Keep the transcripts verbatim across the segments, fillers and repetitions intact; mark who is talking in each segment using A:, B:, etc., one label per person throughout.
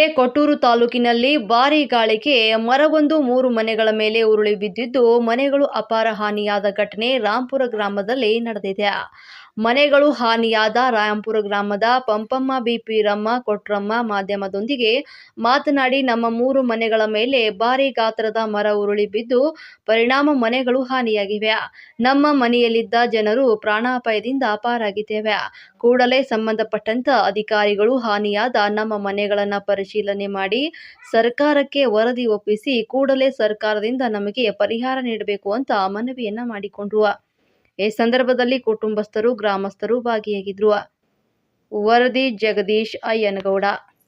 A: ಕೊಟ್ಟೂರು ತಾಲೂಕಿನಲ್ಲಿ ಭಾರೀ ಗಾಳಿಗೆ ಮರವೊಂದು ಮೂರು ಮನೆಗಳ ಮೇಲೆ ಉರುಳಿ ಬಿದ್ದಿದ್ದು ಮನೆಗಳು ಅಪಾರ ಹಾನಿಯಾದ ಘಟನೆ ರಾಂಪುರ ಗ್ರಾಮದಲ್ಲಿ ನಡೆದಿದೆ. ಮನೆಗಳು ಹಾನಿಯಾದ ರಾಂಪುರ ಗ್ರಾಮದ ಪಂಪಮ್ಮ ಬಿಪಿರಮ್ಮ ಕೊಟ್ರಮ್ಮ ಮಾಧ್ಯಮದೊಂದಿಗೆ ಮಾತನಾಡಿ, ನಮ್ಮ ಮೂರು ಮನೆಗಳ ಮೇಲೆ ಭಾರೀ ಗಾತ್ರದ ಮರ ಉರುಳಿ ಬಿದ್ದು ಪರಿಣಾಮ ಮನೆಗಳು ಹಾನಿಯಾಗಿವೆ. ನಮ್ಮ ಮನೆಯಲ್ಲಿದ್ದ ಜನರು ಪ್ರಾಣಾಪಾಯದಿಂದ ಪಾರಾಗಿದ್ದೇವೆ. ಕೂಡಲೇ ಸಂಬಂಧಪಟ್ಟಂತ ಅಧಿಕಾರಿಗಳು ಹಾನಿಯಾದ ನಮ್ಮ ಮನೆಗಳನ್ನು ಪರಿಶೀಲನೆ ಮಾಡಿ ಸರ್ಕಾರಕ್ಕೆ ವರದಿ ಒಪ್ಪಿಸಿ ಕೂಡಲೇ ಸರ್ಕಾರದಿಂದ ನಮಗೆ ಪರಿಹಾರ ನೀಡಬೇಕು ಅಂತ ಮನವಿಯನ್ನ ಮಾಡಿಕೊಂಡ್ರು. ಈ ಸಂದರ್ಭದಲ್ಲಿ ಕುಟುಂಬಸ್ಥರು, ಗ್ರಾಮಸ್ಥರು ಭಾಗಿಯಾಗಿದ್ರು. ವರದಿ ಜಗದೀಶ್ ಅಯ್ಯನಗೌಡ.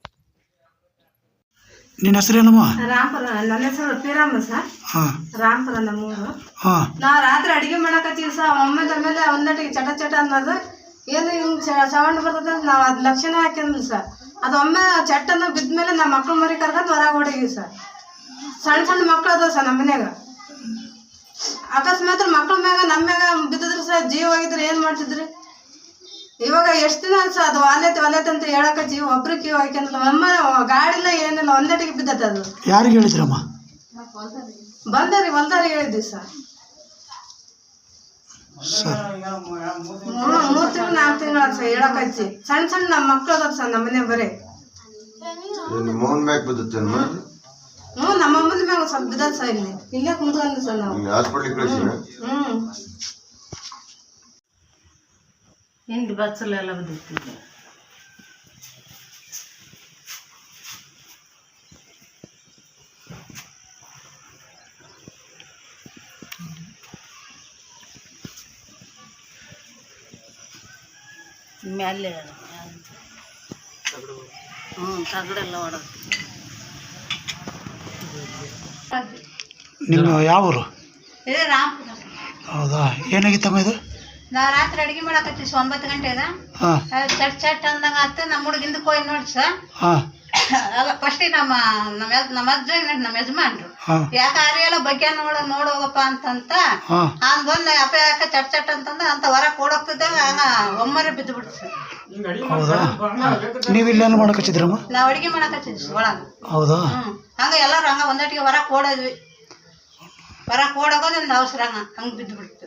B: ನಿನ್ನ ಹೆಸರೇನಮ್ಮ?
C: ರಾಂಪುರ. ನನ್ನ ಹೆಸರು ಪಿರಮ್ಮ ಸರ್. ರಾಂಪುರ ನಮ್ಮೂರು. ನಾ ರಾತ್ರಿ ಅಡಿಗೆ ಮಾಡಕತ್ತೀವಿ ಸರ್. ಒಮ್ಮೆದ ಮೇಲೆ ಒಂದಟಿಗೆ ಚಟ ಚಟ ಅನ್ನೋದು ಏನು ಹಿಂಗೆ ಸೌಂಡ್ ಬರ್ತದೆ. ನಾವು ಅದು ಲಕ್ಷಣ ಹಾಕಿದ್ವಿ ಸರ್. ಅದು ಒಮ್ಮೆ ಚಟ್ಟನ್ನು ಬಿದ್ದ ಮೇಲೆ ನಮ್ಮ ಮಕ್ಳು ಮರಿ ಕರ್ಕೊಂಡು ಹೊರಗೆ ಹೊಡೀವಿ ಸರ್. ಸಣ್ಣ ಸಣ್ಣ ಮಕ್ಳು ಅದಾವ ಸರ್ ನಮ್ಮ ಮನ್ಯಾಗ. ಅಕಸ್ಮಾತ್ ಮಕ್ಳ ಮ್ಯಾಗ ನಮ್ಮ ಮ್ಯಾಗ ಬಿದ್ದಿದ್ರು ಸರ್, ಜೀವ ಹೋಗಿದ್ರೆ ಏನು ಮಾಡ್ತಿದ್ರಿ? ಇವಾಗ ಎಷ್ಟು ದಿನ ಸರ್ ಅದು ವಾಲ್ಯತೆ ವಾಲ್ಯತೆ ಅಂತ ಹೇಳಕತ್ತಿ ಒಬ್ರು ಕಿವಿ ಹಾಕ್ಯಂತ ಒಮ್ಮ ಗಾಡಿಲ್ಲ ಏನಿಲ್ಲ, ಒಂದಟಿಗೆ ಬಿದ್ದತ್ತೆ. ಅದು
B: ಯಾರಿಗೆ ಹೇಳಿದ್ರಮ್ಮ?
C: ಬಂದಾರಿ ಹೊಲ್ದಾರಿ ಹೇಳಿದ್ವಿ ಸರ್. ಮೂರು ಮೂರು ತಿಂಗಳು ನಾಲ್ಕು ತಿಂಗಳು ಸರ್ ಹೇಳಕಚ್ಚಿ. ಸಣ್ಣ ಸಣ್ಣ ನಮ್ಮ ಮಕ್ಳು ಅದಾವ ಸರ್ ನಮ್ಮ ಮನೆ ಬರೀ. ಹ್ಞೂ ನಮ್ಮ ಅಮ್ಮನ ಮ್ಯಾಗ ಸ್ವಲ್ಪ ಬಿದ್ದದ ಸರ್. ಇಲ್ಲಿ ಇಲ್ಲೇ ಕುಂತ್ಕೊಂಡ್ವಿ ಸರ್ ನಾವು. ಹ್ಞೂ ಹಿಂಗೆ ಬಚ್ಚಲೆಲ್ಲ ಬಿದ್ದಿತ್ತು. ಮೇಲೆ ಹ್ಞೂ ತಗಡೆಲ್ಲ ಹೊಡೋದು.
B: ನಿಮ್ಮ ಯಾವ ಊರು?
C: ಇದೇ ರಾಂಪುರ.
B: ಹೌದಾ, ಏನಾಗಿತ್ತಮ್ಮ ಇದು?
C: ನಾ ರಾತ್ರಿ ಅಡಿಗೆ ಮಾಡಕತ್ತೀವಿ ಒಂಬತ್ತು ಗಂಟೆಗ. ಚಟ್ ಚಟ್ ಅಂದಂಗ ಆತ. ನಮ್ಮ ಹುಡುಗಿಂದ ಕೊಯ್ ನೋಡಿ ಸರ್. ಫಸ್ಟ್ ನಮ್ಮ ನಮ್ಮ ನಮ್ಮ ಅಜ್ಜ ನಮ್ಮ ಯಜಮಾನ್ರು ಯಾಕೆ ಅರಿಯಲ್ಲ ಬಗ್ಗೆ ನೋಡ ನೋಡೋಗಪ್ಪ ಅಂತಂತ ಹಂಗ ಬಂದ ಅಪ್ಪ ಯಾಕೆ ಚಟ್ ಚಟ್ ಅಂತಂದ ಅಂತ ಹೊರ ಕೊಡೋಗ್ತಿದ್ದಾಗ ಹಂಗ ಒಮ್ಮರೆ ಬಿದ್ದು ಬಿಡ್ತು ಸರ್.
B: ನೀವು ಇಲ್ಲೇನು ಮಾಡಕತ್ತಿದ್ರಮ್ಮ?
C: ನಾವ್ ಅಡಿಗೆ ಮಾಡಕತ್ತಿದ್ವಿ ಒಳಗ.
B: ಹೌದಾ?
C: ಹ್ಮ್ ಹಂಗ ಎಲ್ಲಾರು ಹಂಗ ಒಂದೊಟ್ಟಿಗೆ ಹೊರ ಕೊಡೋದ್ವಿ. ಹೊರ ಕೊಡೋಗೋದ್ ಒಂದು ಅವಸರ ಹಂಗ ಹಂಗ ಬಿದ್ದು ಬಿಡ್ತು.